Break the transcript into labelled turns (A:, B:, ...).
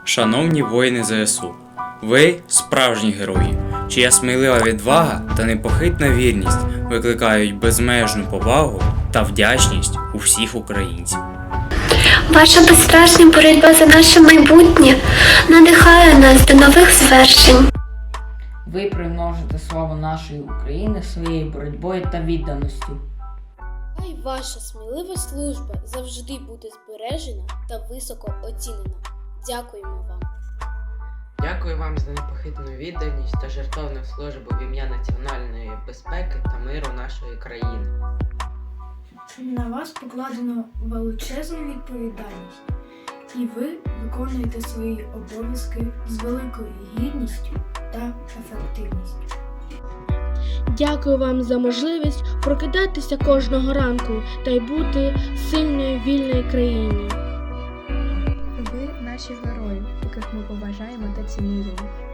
A: Шановні воїни ЗСУ, ви справжні герої, чия смілива відвага та непохитна вірність викликають безмежну повагу та вдячність у всіх українців.
B: Ваша безстрашна боротьба за наше майбутнє надихає нас до нових звершень.
C: Ви примножите славу нашої України своєю боротьбою та відданістю.
D: Хай ваша смілива служба завжди буде збережена та високо оцінена. Дякуємо вам.
E: Дякую вам за непохитну відданість та жертовну службу в ім'я національної безпеки та миру нашої країни.
F: На вас покладено величезну відповідальність, і ви виконуєте свої обов'язки з великою гідністю та ефективністю.
G: Дякую вам за можливість прокидатися кожного ранку та й бути сильною вільною країні.
H: Ви наші герої, яких ми поважаємо та цінуємо.